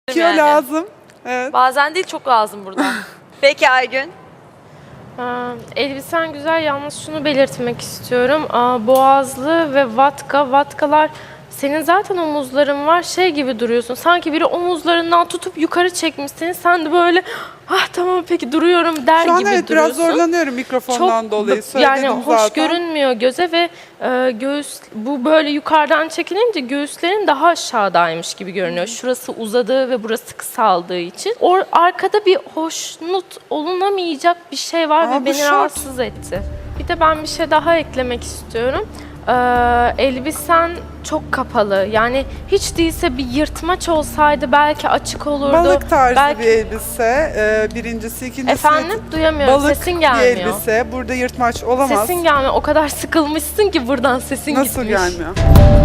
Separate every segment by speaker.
Speaker 1: Kilo
Speaker 2: yani.
Speaker 1: lazım. Evet.
Speaker 2: Bazen değil, çok lazım burada.
Speaker 3: Peki Aygün.
Speaker 4: Elbisen güzel, yalnız şunu belirtmek istiyorum. Boğazlı ve vatkalar senin zaten omuzların var, şey gibi duruyorsun. Sanki biri omuzlarından tutup yukarı çekmiş seni. Sen de böyle tamam peki duruyorum der
Speaker 1: Şu an
Speaker 4: gibi
Speaker 1: evet
Speaker 4: duruyorsun.
Speaker 1: biraz zorlanıyorum mikrofondan dolayı.
Speaker 4: Yani
Speaker 1: Söyledim
Speaker 4: hoş
Speaker 1: zaten.
Speaker 4: görünmüyor göze ve göğüs bu böyle yukarıdan çekilince göğüslerin daha aşağıdaymış gibi görünüyor. Şurası uzadığı ve burası kısaldığı için. Arkada bir hoşnut olunamayacak bir şey var
Speaker 1: Ama
Speaker 4: ve
Speaker 1: bu
Speaker 4: beni
Speaker 1: şort.
Speaker 4: rahatsız etti. Bir de ben bir şey daha eklemek istiyorum. Elbisen çok kapalı. Yani hiç değilse bir yırtmaç olsaydı belki açık olurdu.
Speaker 1: Balık tarzı
Speaker 4: belki...
Speaker 1: bir elbise. Birincisi, ikincisi
Speaker 4: Efendim duyamıyorum.
Speaker 1: balık
Speaker 4: Sesin
Speaker 1: bir
Speaker 4: gelmiyor.
Speaker 1: elbise. Burada yırtmaç olamaz.
Speaker 4: Sesin gelmiyor. O kadar sıkılmışsın ki buradan sesin
Speaker 1: Nasıl
Speaker 4: gitmiş.
Speaker 1: gelmiyor?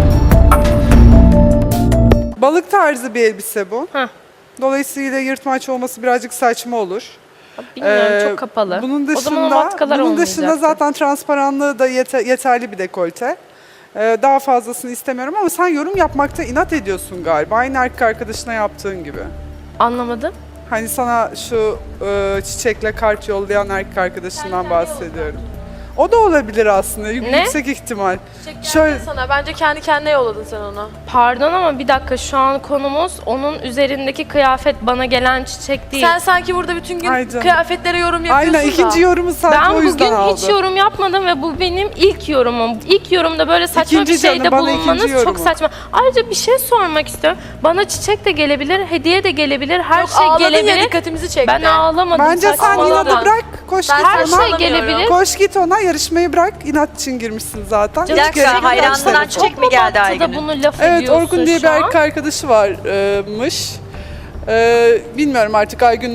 Speaker 1: Balık tarzı bir elbise bu.
Speaker 4: Heh.
Speaker 1: Dolayısıyla yırtmaç olması birazcık saçma olur.
Speaker 4: Bilmiyorum çok kapalı.
Speaker 1: Bunun
Speaker 4: o zaman o vatkalar
Speaker 1: dışında
Speaker 4: olmayacaktı.
Speaker 1: zaten transparanlığı da yeterli bir dekolte. Daha fazlasını istemiyorum ama sen yorum yapmakta inat ediyorsun galiba. Aynı erkek arkadaşına yaptığın gibi.
Speaker 4: Anlamadım.
Speaker 1: Hani sana şu çiçekle kart yollayan erkek arkadaşından bahsediyorum. O da olabilir aslında. Yüksek ihtimal. Şöyle
Speaker 2: Sana bence kendi kendine yolladın sen onu.
Speaker 4: Pardon ama bir dakika şu an konumuz onun üzerindeki kıyafet bana gelen çiçek değil.
Speaker 2: Sen sanki burada bütün gün
Speaker 1: Ay canım.
Speaker 2: kıyafetlere yorum yapıyorsun
Speaker 1: aynen
Speaker 2: da.
Speaker 1: ikinci yorumu sadece
Speaker 4: ben
Speaker 1: o yüzden
Speaker 4: bugün
Speaker 1: aldı.
Speaker 4: hiç yorum yapmadım ve bu benim ilk yorumum. İlk yorumda böyle saçma
Speaker 1: İkinci
Speaker 4: bir şeyde
Speaker 1: canım, bana ikinci
Speaker 4: bulunmanız çok
Speaker 1: yorumu.
Speaker 4: saçma. Ayrıca bir şey sormak istiyorum. Bana çiçek de gelebilir, hediye de gelebilir, her
Speaker 2: Yok,
Speaker 4: şey
Speaker 2: ağladın ya,
Speaker 4: gelebilir.
Speaker 2: dikkatimizi çekti.
Speaker 4: Ben ağlamadım.
Speaker 1: Bence sen
Speaker 4: saçmaladım.
Speaker 1: inadı bırak. Koş
Speaker 2: Ben
Speaker 1: git
Speaker 4: Her
Speaker 1: ona.
Speaker 4: şey gelebilir.
Speaker 1: Koş git ona, yarışmayı bırak. İnat için girmişsin zaten.
Speaker 3: Bir
Speaker 1: Hiç
Speaker 3: dakika,
Speaker 1: gerek yok.
Speaker 3: hayranından
Speaker 1: Çok-
Speaker 3: çiçek mi geldi
Speaker 4: Da
Speaker 3: Aygün'ün?
Speaker 4: bunu laf
Speaker 1: Evet,
Speaker 4: ediyorsun
Speaker 1: Orkun diye bir
Speaker 4: şu an.
Speaker 1: erkek arkadaşı varmış. Bilmiyorum artık Aygün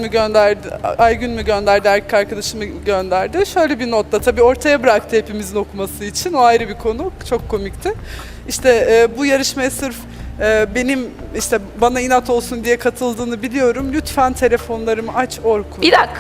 Speaker 1: mü gönderdi, erkek arkadaşı mı gönderdi. Şöyle bir notla tabii ortaya bıraktı hepimizin okuması için. O ayrı bir konu. Çok komikti. İşte bu yarışmaya sırf benim işte bana inat olsun diye katıldığını biliyorum. Lütfen telefonlarımı aç Orkun.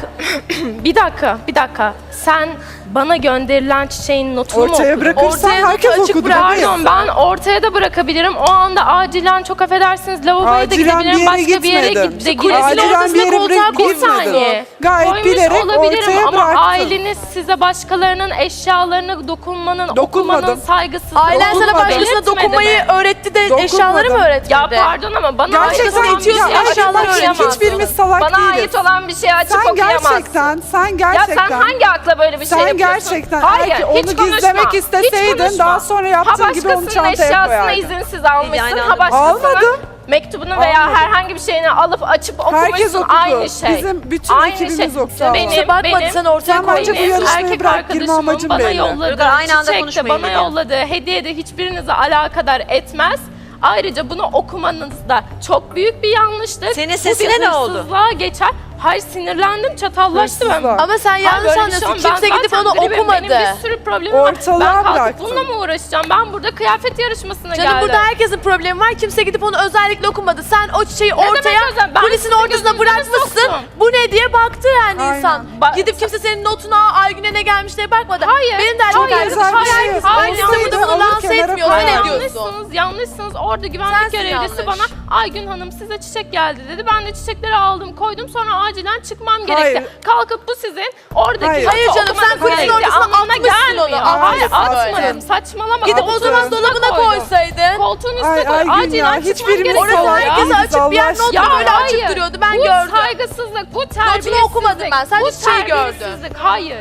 Speaker 4: Bir dakika. Sen bana gönderilen çiçeğin notunu mu
Speaker 1: Ortaya
Speaker 4: okudun?
Speaker 1: bırakırsan
Speaker 2: Ortaya
Speaker 1: herkes
Speaker 2: notu açık
Speaker 1: okudu.
Speaker 2: bırak.
Speaker 1: bebeğim.
Speaker 4: Pardon ben ortaya da bırakabilirim. O anda acilen çok affedersiniz lavaboya da
Speaker 1: Acilen bir
Speaker 4: gidebilirim.
Speaker 1: yere
Speaker 4: Başka bir yere
Speaker 1: gitmedim.
Speaker 4: de
Speaker 2: Kulesin
Speaker 4: gidebilirim.
Speaker 1: Acilen bir yere
Speaker 4: koltuğa koy
Speaker 1: gitmedim.
Speaker 4: saniye.
Speaker 1: Gayet
Speaker 4: Koymuş
Speaker 1: bilerek
Speaker 4: olabilirim
Speaker 1: ortaya
Speaker 4: ama
Speaker 1: bıraktım.
Speaker 4: aileniz size başkalarının eşyalarına dokunmanın,
Speaker 1: Dokunmadım.
Speaker 4: okumanın saygısızlığı.
Speaker 2: Ailen sana
Speaker 1: Dokunmadım.
Speaker 2: başkasına
Speaker 4: Belirtmedi
Speaker 2: dokunmayı
Speaker 4: mi?
Speaker 2: öğretti de
Speaker 1: Dokunmadım.
Speaker 2: eşyaları mı öğretmedi?
Speaker 4: Ya pardon ama bana ait
Speaker 1: Gerçekten
Speaker 4: olan bir şey
Speaker 2: itiyorsun,
Speaker 4: açıp
Speaker 2: eşyalar
Speaker 4: okuyamazsın.
Speaker 1: hiçbirimiz salak
Speaker 4: Bana
Speaker 1: değiliz.
Speaker 4: ait olan bir şey açıp
Speaker 1: Sen
Speaker 4: okuyamazsın.
Speaker 1: sen
Speaker 4: Ya
Speaker 1: gerçekten.
Speaker 4: sen hangi akla böyle bir şey
Speaker 1: Sen
Speaker 4: yapıyorsun?
Speaker 1: gerçekten
Speaker 4: Hayır,
Speaker 1: eğer ki
Speaker 4: hiç
Speaker 1: onu
Speaker 4: konuşma.
Speaker 1: gizlemek
Speaker 4: Hiç
Speaker 1: isteseydin
Speaker 4: konuşma.
Speaker 1: daha sonra yaptığın gibi onu
Speaker 4: başkasının
Speaker 1: çantaya
Speaker 4: eşyasını
Speaker 1: koyardın.
Speaker 4: izinsiz almışsın,
Speaker 3: aynı
Speaker 4: ha
Speaker 3: anda
Speaker 4: başkasının
Speaker 1: Almadım.
Speaker 4: mektubunu veya
Speaker 1: Almadım.
Speaker 4: herhangi bir şeyini alıp açıp
Speaker 1: Herkes
Speaker 4: okumuşsun,
Speaker 1: okudu.
Speaker 4: aynı şey.
Speaker 1: Bizim bütün
Speaker 4: aynı
Speaker 1: ekibimiz okudu.
Speaker 2: Kimse bakmadı, sen ortaya
Speaker 1: Sen bence bu
Speaker 2: koydun.
Speaker 1: yarışmayı
Speaker 4: erkek
Speaker 1: bırak, girme
Speaker 4: arkadaşımın
Speaker 1: amacın
Speaker 4: bana
Speaker 1: belli.
Speaker 4: yolladığı
Speaker 3: Çocuklar aynı anda
Speaker 4: çiçek de
Speaker 3: konuşmayın
Speaker 4: bana
Speaker 3: lütfen.
Speaker 4: yolladığı hediye de hiçbirinizi alakadar etmez. Ayrıca bunu okumanız da çok büyük bir yanlıştır.
Speaker 3: Senin
Speaker 4: Bu bir
Speaker 3: sesine ne oldu?
Speaker 4: hırsızlığa geçer. Hayır sinirlendim, çatallaştı ben.
Speaker 1: Hırsızlığa.
Speaker 2: Ama sen yanlış
Speaker 4: Böyle bir şey
Speaker 2: anlıyorsun.
Speaker 4: olmaz. Ben
Speaker 2: Kimse gidip
Speaker 4: zaten
Speaker 2: onu
Speaker 4: benim
Speaker 2: okumadı.
Speaker 4: bir sürü problemim var.
Speaker 1: Ortalığa
Speaker 4: Ben kalkıp
Speaker 1: bıraktın.
Speaker 4: bununla mı uğraşacağım? Ben burada kıyafet yarışmasına
Speaker 2: Canım
Speaker 4: geldim.
Speaker 2: burada herkesin problemi var. Kimse gidip onu özellikle okumadı. Sen o çiçeği
Speaker 4: demek
Speaker 2: ortaya
Speaker 4: özel? Ben
Speaker 2: kulisin
Speaker 4: sizin
Speaker 2: ortasına
Speaker 4: gözünüze
Speaker 2: bırakmışsın.
Speaker 4: soktum.
Speaker 2: Bu ne diye baktı yani
Speaker 1: Aynen.
Speaker 2: insan. Gidip kimse senin notuna Aygün'e ne gelmiş diye bakmadı.
Speaker 4: Hayır.
Speaker 2: Benim de erkek
Speaker 4: Hayır,
Speaker 2: arkadaşım
Speaker 1: hayır,
Speaker 2: herkes
Speaker 1: hayır.
Speaker 2: aynı anda
Speaker 1: Olsaydı
Speaker 2: bunu
Speaker 1: alır
Speaker 2: lanse
Speaker 1: kenara
Speaker 2: etmiyor.
Speaker 1: koyar.
Speaker 2: Ne diyorsun?
Speaker 4: Yanlışsınız. Orada güvenlik
Speaker 2: Sensin
Speaker 4: görevlisi
Speaker 2: yanlış.
Speaker 4: bana Aygün Hanım size çiçek geldi dedi. Ben de çiçekleri aldım koydum sonra acilen çıkmam
Speaker 1: Hayır.
Speaker 4: gerekti. Kalkıp bu sizin oradaki
Speaker 1: Hayır.
Speaker 2: Hayır
Speaker 4: notu
Speaker 2: canım, sen
Speaker 4: okumanız
Speaker 2: kulisin
Speaker 4: gerektiği
Speaker 2: ortasına
Speaker 4: anlamına
Speaker 2: atmışsın
Speaker 4: gelmiyor.
Speaker 2: onu.
Speaker 4: Hayır
Speaker 2: Atmışsın
Speaker 4: atmadım
Speaker 2: böyle.
Speaker 4: saçmalama.
Speaker 2: Gidip o
Speaker 4: Koltuğun
Speaker 2: zaman
Speaker 4: üstüne
Speaker 2: dolabına
Speaker 4: koydum.
Speaker 2: koysaydın.
Speaker 4: Koltuğun üstüne
Speaker 1: Ay,
Speaker 4: koy.
Speaker 1: Aygün ya,
Speaker 4: Acilen çıkmam
Speaker 1: hiçbirimiz
Speaker 4: gerekiyor.
Speaker 2: Orası
Speaker 1: salak
Speaker 4: ya.
Speaker 2: herkese
Speaker 1: değiliz,
Speaker 2: açık bir yer,
Speaker 1: Allah
Speaker 2: not
Speaker 1: aşkına.
Speaker 2: böyle açık duruyordu. Ben gördüm.
Speaker 4: Bu saygısızlık, bu terbiyesizlik.
Speaker 2: okumadım ben, sadece
Speaker 4: bu
Speaker 2: çiçeği gördüm.
Speaker 4: terbiyesizlik. Hayır.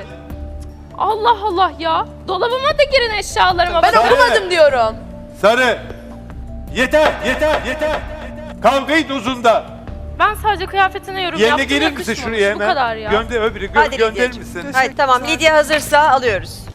Speaker 4: Allah Allah ya. Dolabıma da girin eşyalarıma.
Speaker 2: Ben
Speaker 4: bakın.
Speaker 2: okumadım diyorum.
Speaker 5: Sarı. Yeter. Kavgayı dozunda.
Speaker 4: Ben sadece kıyafetine yorum
Speaker 5: Yerine
Speaker 4: yaptım.
Speaker 5: gelir misin
Speaker 4: yakışmamış.
Speaker 5: şuraya hemen?
Speaker 4: Bu kadar ya.
Speaker 5: Gönder öbürü
Speaker 3: Hadi
Speaker 5: gönderir
Speaker 3: Lidyacığım.
Speaker 5: misin?
Speaker 3: Hayır tamam, Lidya hazırsa alıyoruz.